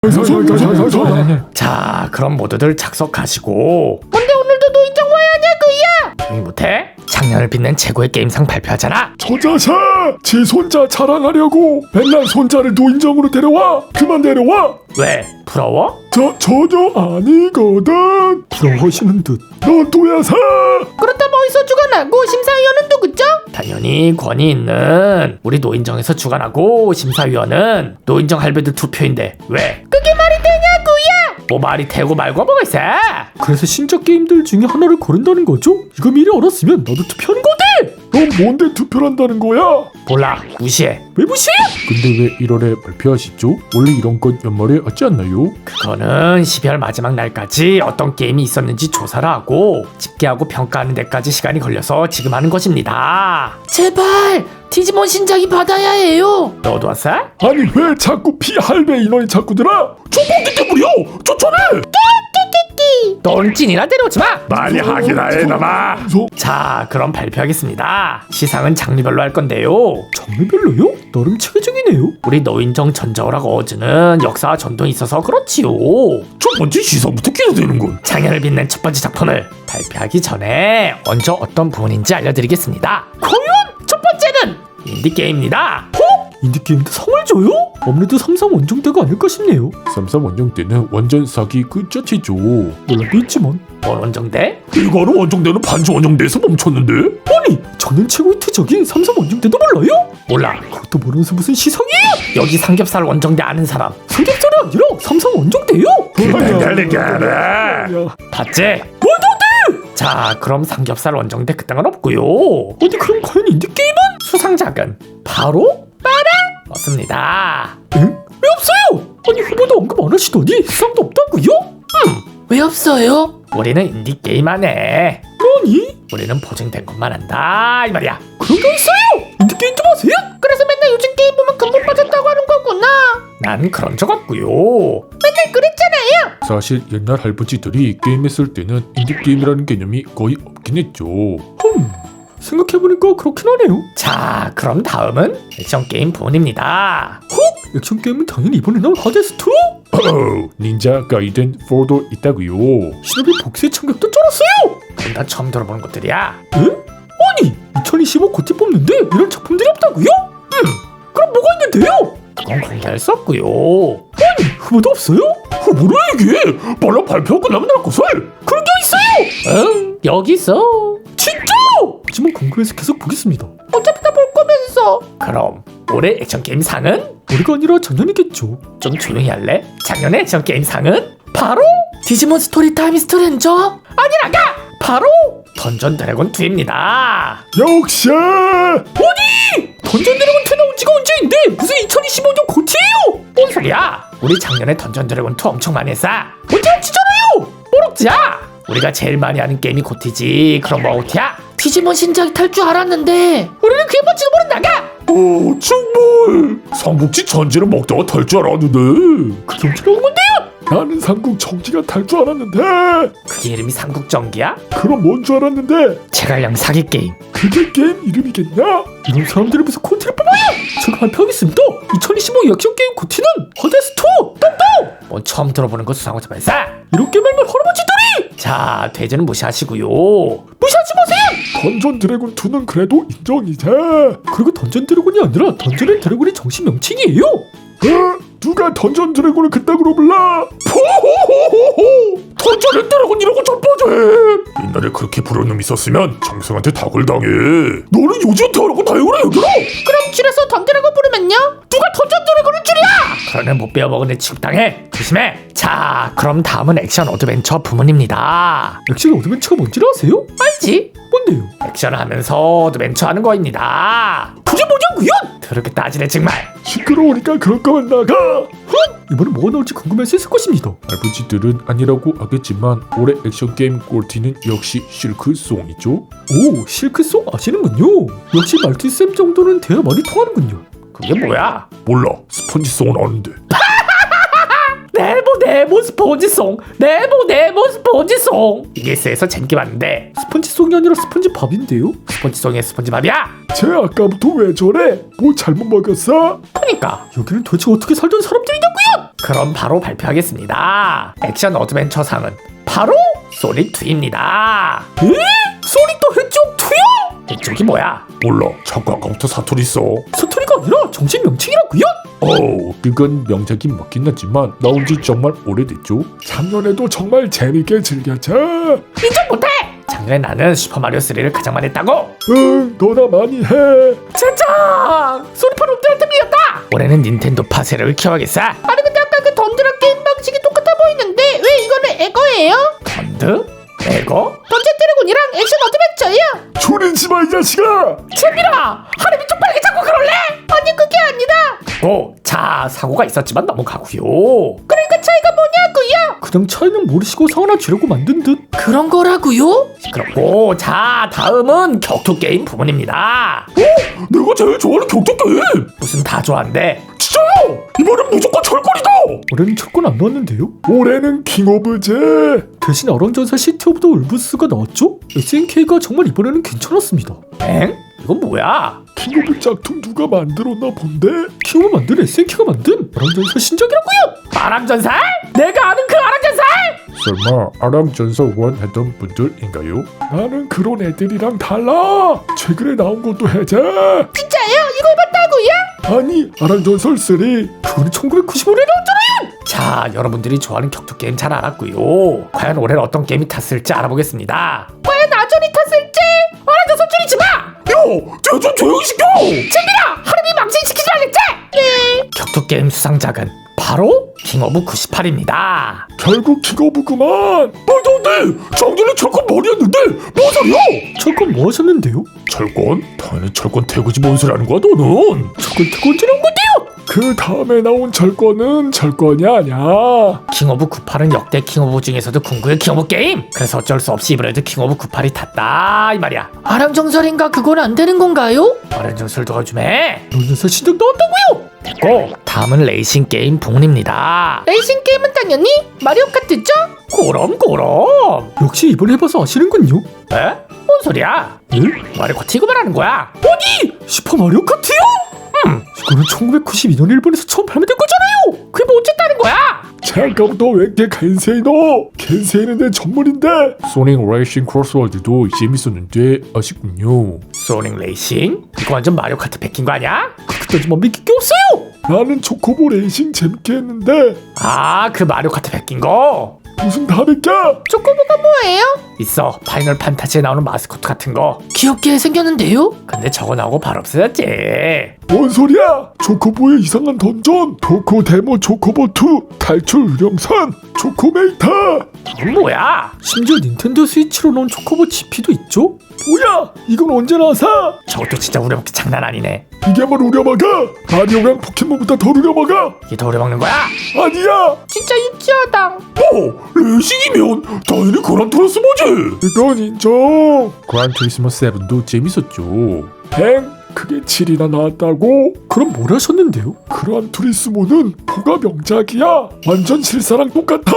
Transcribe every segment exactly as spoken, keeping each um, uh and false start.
자, 그럼 모두들 착석하시고. 뭔데 오늘도 노인정 와야 하냐고요? 조용히 못해? 작년을 빛낸 최고의 게임상 발표하잖아. 저 자식! 지 손자 자랑하려고 맨날 손자를 노인정으로 데려와! 그만 데려와! 왜? 부러워? 저 전혀 아니거든! 부러워하시는 듯. 넌 또야사! 그렇다면 어디서 주관하고 심사위원은 누구죠? 당연히 권위 있는 우리 노인정에서 주관하고 심사위원은 노인정 할배들 투표인데 왜? 그게 말이 되냐고요? 뭐 말이 되고 말고 뭐가 있어? 그래서 신작 게임들 중에 하나를 고른다는 거죠? 이거 미리 알았으면 나도 투표하는 거지! 넌 뭔데 투표를 한다는 거야? 몰라, 무시해. 왜 무시해? 근데 왜 일월에 발표하시죠? 원래 이런 건 연말에 하지 않나요? 그거는 십이월 마지막 날까지 어떤 게임이 있었는지 조사를 하고 집계하고 평가하는 데까지 시간이 걸려서 지금 하는 것입니다. 제발 디지몬 신작이 받아야 해요. 너도 왔어? 아니 왜 자꾸 피할배 인원이 자꾸 들어? 저번기 때문이요! 쫓아내! 넌 찐이나 데려오지 마. 많이 하긴 해 나마. 자, 그럼 발표하겠습니다. 시상은 장르별로 할 건데요. 장르별로요? 나름 체계적이네요. 우리 노인정 전자오락 어워즈는 역사와 전통이 있어서 그렇지요. 첫 번째 시상부터 기대되는군. 작년을 빛낸 첫 번째 작품을 발표하기 전에 먼저 어떤 부분인지 알려드리겠습니다. 과연 첫 번째는 인디게임입니다. 어? 인디게임도 상을 줘요? 아무래도 삼삼 원정대가 아닐까 싶네요. 삼삼 원정대는 완전 사기 그 자체죠. 논란도 있지만 뭔 원정대? 일가로 원정대는 반주 원정대에서 멈췄는데? 아니 저는 최고의 투적인 삼삼 원정대도 몰라요? 몰라. 그것도 모르면서 무슨 시상이에요? 여기 삼겹살 원정대 아는 사람 삼겹살이 아니라 삼삼 원정대요? 기다리게 봤지? 원정대! 자, 그럼 삼겹살 원정대 그딴 건 없고요. 아니 그럼 과연 인디게임은? 수상작은 바로 빠라 없습니다. 응? 왜 없어요? 아니 후보도 언급 안 하시더니 수상도 없다고요? 음, 왜 없어요? 우리는 인디게임 안 해. 아니 우리는 보증된 것만 한다 이 말이야. 그런 게 있어요? 인디게임 좀 하세요? 그래서 맨날 요즘 게임 보면 근본 빠졌다고 하는 거구나. 난 그런 적 없고요. 맨날 그랬잖아요. 사실 옛날 할아버지들이 게임했을 때는 인디게임이라는 개념이 거의 없긴 했죠. 흠 생각해보니까 그렇긴 하네요. 자, 그럼 다음은 액션 게임 부분입니다. 헉! 액션 게임은 당연히 이번에 나올 하데스 투? 어, 닌자 가이덴 사도 있다고요. 신업이 복수의 참격도 쩔었어요. 그건 다 처음 들어보는 것들이야. 에? 아니 이천이십오 고티 뽑는데 이런 작품들이 없다고요? 음 그럼 뭐가 있는데요? 그건 공개할 수 없고요. 아니 후보도 없어요? 후보를 이게 빨라 발표 끝나면 날 것을 그런 게 있어요. 응, 여기 있어. 진짜? 하지만 궁금해서 계속 보겠습니다. 어차피 다 볼 거면서. 그럼 올해 액션 게임 상은? 올해가 아니라 작년이겠죠. 좀 조용히 할래? 작년의 액션 게임 상은 바로 디지몬 스토리 타임 스트레인저 아니라가 바로 던전 드래곤 투입니다. 역시 아니 던전 드래곤 투 나온 지가 언제인데 무슨 이천이십오 년 고티예요? 뭔 소리야? 우리 작년에 던전 드래곤 투 엄청 많이 했어. 언제 억지잖아요. 뭘 억지야? 우리가 제일 많이 하는 게임이 고티지. 그럼 뭐 고티야? 디지몬 신작이 탈 줄 알았는데 우리는 그게 뭔지도 모른다가. 오 정말 삼국지 전지를 먹다가 탈 줄 알았는데 그게 언제 나온 건데요? 나는 삼국 정지가 탈 줄 알았는데 그게 이름이 삼국전기야? 그럼 뭔 줄 알았는데 제갈량 사기 게임. 그게 게임 이름이겠냐? 이런 사람들이 무슨 콘티를 뽑아요? 제가 발표하겠습니다. 이천이십오 액션 게임 고티는 하데스 투 똥똥. 뭔 처음 들어보는 거 수상하지 말사. 이렇게 말만 할아버지들이. 자, 돼지는 무시하시고요. 무시하지 마세요. 던전 드래곤 투는 그래도 인정이지. 그리고 던전 드래곤이 아니라 던전 앤 드래곤의 정식 명칭이에요. 어? 누가 던전 드래곤을 그따구로 불러? 포호호호호! 던전 앤 드래곤이라고 자빠져. 옛날에 그렇게 부른 놈 있었으면 장승한테 다굴당해. 너는 요즘 더라고 다행을 해 얘들아. 그럼 줄여서 던드래곤 부르면요? 누가 던전 드래곤을 줄이야? 그러면 못 배워먹은 애 취급당해. 조심해. 자, 그럼 다음은 액션 어드벤처 부문입니다. 액션 어드벤처가 뭔지를 아세요? 알지? 뭔데요? 액션을 하면서 어드벤처 하는 거입니다. 그게 뭐냐고요? 더럽게 따지네 정말. 시끄러우니까 그럴 거면 나가. 흥! 이번에 뭐가 나올지 궁금해서 있을 것입니다. 할아버지들은 아니라고 하겠지만 올해 액션 게임 꼴티는 역시 실크송이죠. 오, 실크송 아시는군요. 역시 말티쌤 정도는 대화 많이 통하는군요. 그게 뭐야? 몰라. 스펀지송은 아는데. 내일 못 네모 네모 스폰지송 네모 네모 스폰지송 이게 에스에서 재밌게 봤는데 스펀지송이 아니라 스펀지밥인데요? 스폰지송의 스폰지밥이야? 쟤 아까부터 왜 저래? 뭐 잘못 먹였어? 그니까 여기는 도대체 어떻게 살던 사람들이냐고요? 그럼 바로 발표하겠습니다. 액션 어드벤처상은 바로 소닉이입니다. 에? 소닉도 해적 투요? 이쪽이 뭐야? 몰라. 자꾸 아까부터 사투리 써. 사투리가 아니라 정식 명칭이라고요? 어, 그건 명작이 맞긴 하지만 나온 지 정말 오래됐죠. 작년에도 정말 재밌게 즐겼자. 인정 못해! 작년에 나는 슈퍼마리오 쓰리를 가장 많이 했다고! 응, 너나 많이 해. 젠장! 소니파 놈들한테 밀렸다! 올해는 닌텐도파 세력을 키워야겠어. 아니 근데 아까 그 던드랑 게임 방식이 똑같아 보이는데 왜 이거는 에거예요? 던드? 에고? 던전 드래곤이랑 액션 어드벤처예요. 줄이지 마, 이 자식아. 재민아! 하림이 좀 빨리 자꾸 그럴래? 아니 그게 아니라 고! 자, 사고가 있었지만 넘어가고요. 그러니까 차이가 뭐냐고요? 그냥 차이는 모르시고 성 하나 주려고 만든 듯. 그런 거라고요? 그렇고 자, 다음은 격투게임 부문입니다. 내가 제일 좋아하는 격투게임. 무슨 다 좋아한대? 진짜요? 이번엔 무조건 철권이다. 올해는 철권 안 나왔는데요? 올해는 킹 오브 제. 대신 어랑전사 시티 오브 더 울브스가 나왔죠? 에스엔케이가 정말 이번에는 괜찮았습니다. 엥? 이건 뭐야? 킹 오브 짝퉁 누가 만들었나 본데? 킹 오브 만든 에스엔케이가 만든 어랑전사 신작이라고요? 아랑전살? 내가 아는 그 아랑전살? 설마 아랑전사 원 했던 분들인가요? 나는 그런 애들이랑 달라. 최근에 나온 것도 해제. 진짜예요? 이거 해봤다고요? 아니 아랑전설 쓰리 그거는 천구백구십오 년에 나왔잖아요. 자, 여러분들이 좋아하는 격투게임 잘 알았고요. 과연 올해는 어떤 게임이 탔을지 알아보겠습니다. 과연 아전이 탔을지? 알아서 소리지 마! 야, 쟤좀 조용히 시켜. 재민아! 하루비 망신시키지 말랬지? 네. 격투게임 수상작은 바로 킹 오브 구십팔입니다. 결국 킹 오브 그만. 말도 안 돼. 작년에 철권 머리였는데 뭔 소리야? 철권 뭐 하셨는데요? 철권? 당연히 철권 태그지 뭔 소리 하는 거야 너는? 철권 태그 언제 나온 건데요? 그 다음에 나온 철권은 철권이 아니야. 킹 오브 구십팔은 역대 킹 오브 중에서도 궁극의 킹 오브 게임. 그래서 어쩔 수 없이 이번에도 킹 오브 구십팔이 탔다 이 말이야. 아랑정설인가 그건 안 되는 건가요? 어른정설도 좀 해. 롤전사 신작 나온다고요? 됐고, 다음은 레이싱 게임 부문입니다. 레이싱 게임은 당연히 마리오 카트죠? 그럼 그럼. 역시 이번에 해봐서 아시는군요. 에? 뭔 소리야? 예? 마리오 카트 이거 말하는 거야? 어디? 슈퍼마리오 카트요? 음, 이거는 천구백구십이 년 일본에서 처음 발매된 거잖아요. 그게 뭐 어쨌다는 거야? 잠깐부터 왜 겐세이노? 겐세이는 내 전문인데. 소닉 레이싱 크로스월드도 재밌었는데 아쉽군요. 소닉 레이싱? 이거 완전 마리오 카트 베낀 거 아니야? 그때까지만 믿길 게 없어요. 나는 초코보 레이싱 재밌게 했는데 아, 그 마리오 카트 베낀 거? 무슨 다를까? 초코보가 뭐예요? 있어. 파이널 판타지에 나오는 마스코트 같은 거. 귀엽게 생겼는데요? 근데 저거 나오고 바로 없어졌지. 뭔 소리야? 초코보의 이상한 던전, 초코 데모 초코보 투, 탈출 유령선, 초코메이터. 이건 뭐야? 심지어 닌텐도 스위치로 나온 초코보 지피도 있죠? 뭐야? 이건 언제 나서? 저것도 진짜 우려먹기 장난 아니네. 이게 뭘 우려먹어? 마리오랑 포켓몬보다 더 우려먹어? 이게 더 우려먹는 거야? 아니야! 진짜 유치하다. 어? 레이싱이면 당연히 그란투리스모지! 이건 인정! 그란투리스모 칠도 재밌었죠. 엥? 그게 칠이나 나왔다고? 그럼 뭘 하셨는데요? 그란투리스모는 포가 명작이야. 완전 실사랑 똑같아.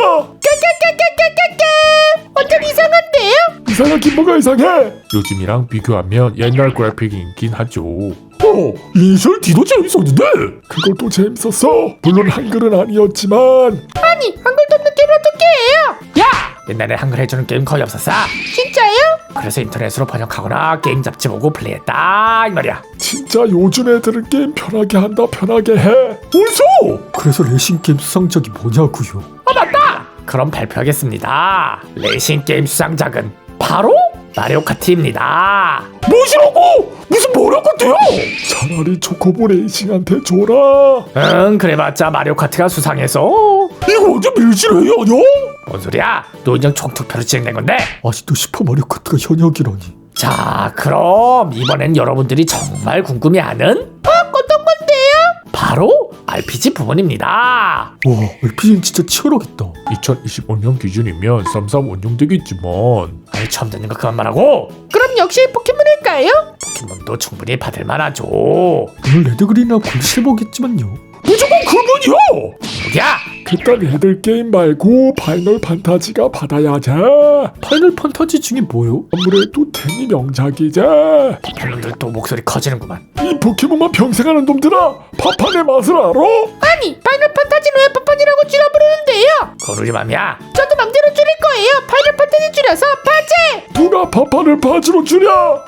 깨깨깨깨깨깨깨 완전 이상한데요? 이상하긴 뭐가 이상해? 요즘이랑 비교하면 옛날 그래픽이긴 하죠. 어, 이니셜 D도 재밌었는데? 그것도 재밌었어. 물론 한글은 아니었지만. 아니 한글도 없는 게임 어떻게 해요? 야! 옛날에 한글 해주는 게임 거의 없었어. 진짜요? 그래서 인터넷으로 번역하거나 게임 잡지 보고 플레이했다 이 말이야. 진짜 요즘 애들은 게임 편하게 한다 편하게 해. 벌써? 그래서 레이싱 게임 수상작이 뭐냐고요? 어, 맞다! 그럼 발표하겠습니다. 레이싱 게임 수상작은 바로 마리오 카트입니다. 뭐시라고? 무슨 마리오 카트야? 차라리 초코보 레이싱한테 줘라. 응, 그래봤자 마리오 카트가 수상해서. 이거 완전 밀실회의 아니야? 뭔 소리야? 노인정 총투표로 진행된 건데. 아직도 슈퍼마리오 카트가 현역이라니. 자, 그럼 이번엔 여러분들이 정말 궁금해하는 어? 어떤 건데요? 바로 알피지 부분입니다. 와, 알피지는 진짜 치열하겠다. 이천이십오 년 기준이면 쌈쌈 원정되겠지만. 아이, 처음 듣는 거 그만 말하고. 그럼 역시 포켓몬일까요? 포켓몬도 충분히 받을 만하죠. 오늘 레드그린이나 골드실버겠지만요. 무조건 그분이야! 누구야? 그딴 애들 게임 말고 파이널 판타지가 받아야지. 파이널 판타지 중에 뭐요? 아무래도 테니 명작이지. 놈들 또 목소리 커지는구만. 이 포켓몬만 평생 하는 놈들아, 파판의 맛을 알아? 아니 파이널 판타지는 왜 파판이라고 줄여 부르는데요? 그건 우리 맘이야. 저도 맘대로 줄일 거예요. 파이널 판타지 줄여서 파제. 누가 파판을 파지로 줄여?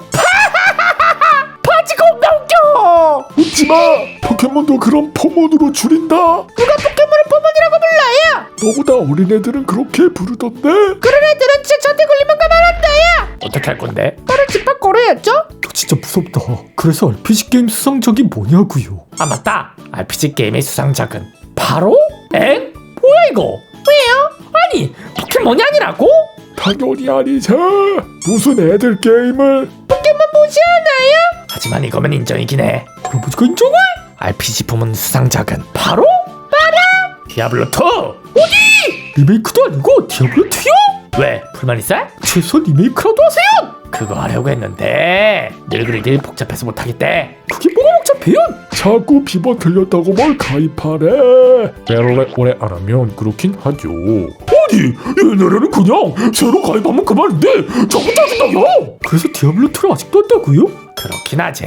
파지 겁나 웃겨. 웃지마. 포켓몬도 그런 포몬으로 줄인다. 누가 포켓몬을 포몬이라고 불러요? 너보다 어린애들은 그렇게 부르던데. 그런 애들은 진짜 저한테 걸리면 가만한다요. 어떻게 할 건데? 바로 집합 걸어야죠. 진짜 무섭다. 그래서 알피지 게임 수상작이 뭐냐고요? 아 맞다. 알피지 게임의 수상작은 바로 엥? 뭐야 이거? 왜요? 아니 포켓몬이 아니라고? 당연히 아니지. 무슨 애들 게임을. 포켓몬 무시하나요? 하지만 이거면 인정이긴 해. 할아버지가 인정해? 알피지 부문 수상작은 바로 바로 디아블로 투. 리메이크도 아니고 디아블로 투요? 왜 불만 있어? 최소한 리메이크라도 하세요. 그거 하려고 했는데 늙은이들이 복잡해서 못하겠대. 그게 뭐가 복잡해요? 자꾸 비번 틀렸다고 뭘 가입하래. 원래 오래 안 하면 그렇긴 하죠. 아니 옛날에는 그냥 새로 가입하면 그만인데 자꾸 짜증나요. 그래서 디아블로 투를 아직도 한다고요? 그렇긴 하지.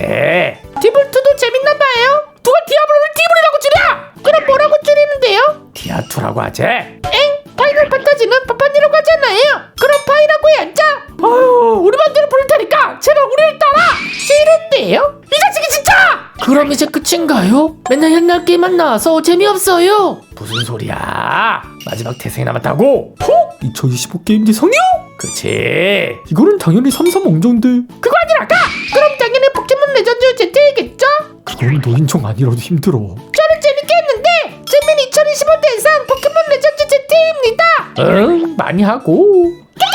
디블트도 재밌나봐요. 누가 디아블로를 디블이라고 줄여? 그럼 뭐라고 줄이는데요? 디아투라고 하지. 엥? 파이널 판타지는 파판이라고 하잖아요. 그럼 파이라고 해야죠. 아유 우리 맘대로 부를 테니까 제발 우리를 따라. 싫은데요? 이 자식이 진짜. 그럼 이제 끝인가요? 맨날 옛날 게임만 나와서 재미없어요. 무슨 소리야? 마지막 대상이 남았다고? 어? 이천이십오 게임 대상이요? 그치. 이거는 당연히 삼삼 엉정인데. 그거 아니라까? 그럼 당연히 포켓몬 레전드 제트이겠죠? 그건 노인정 아니라도 힘들어. 저는 재밌게 했는데 재민 이천이십오 대상 포켓몬 레전드 제트입니다. 응 많이 하고.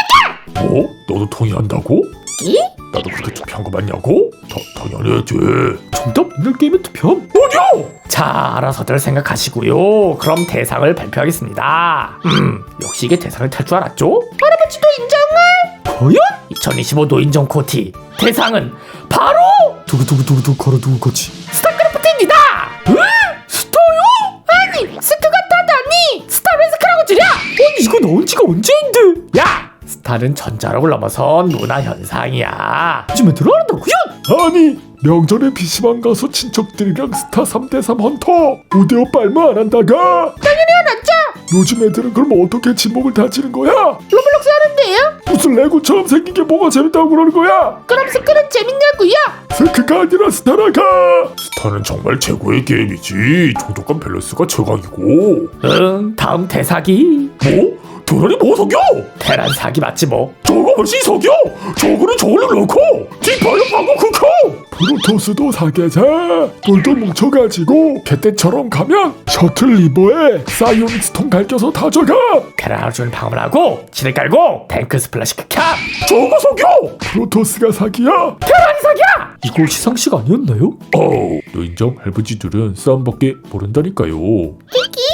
뭐? 너도 동의한다고? 이? 나도 그렇게 투표한 거 맞냐고? 다, 당연히 했지. 정답 옛날 게임에 투표함. 뭐냐? 자 알아서들 생각하시고요. 그럼 대상을 발표하겠습니다. 음 역시 이게 대상을 탈 줄 알았죠? 할아버지도 인정을? 과연? 이천이십오 노인정 코티 대상은 바로 두구두구두구두구 걸어두고 거지. 스타크래프트입니다. 에? 스타요? 아니 스크가 따다니 스타레스크라고 줄여? 아니 이거 나온 지가 언제인데? 야 스타는 전자력을 넘어선 문화 현상이야. 요즘 애들 알아다고요? 아니 명절에 피시방 가서 친척들이랑 스타 삼 대 삼 헌터 오 대 오 빨무 안 한다가. 당연히 알았죠. 요즘 애들은 그럼 어떻게 진목을 다지는 거야? 로블록스 하는데요? 무슨 레고처럼 생긴 게 뭐가 재밌다고 그러는 거야? 그럼 스크는 재밌냐고요? 스크가 아니라 스타라가. 스타는 정말 최고의 게임이지. 종족간 밸런스가 최강이고. 응 다음 대사기 뭐? 도란이 뭐 속여? 테란 사기 맞지 뭐. 저거 훨씬 속여. 저거는 저걸로 넣고 뒷발로 방구 크고. 프로토스도 사계자. 돌도 뭉쳐가지고 개떼처럼 가면 셔틀 리버에 사이오닉 스톤 갈겨서 다져가. 테란 하루 종일 방어를 하고 지를 깔고 탱크 스플래시 캡. 저거 속여. 프로토스가 사기야. 테란이 사기야. 이거 시상식 아니었나요? 어우, 노인정 할아버지들은 싸움밖에 모른다니까요. 이기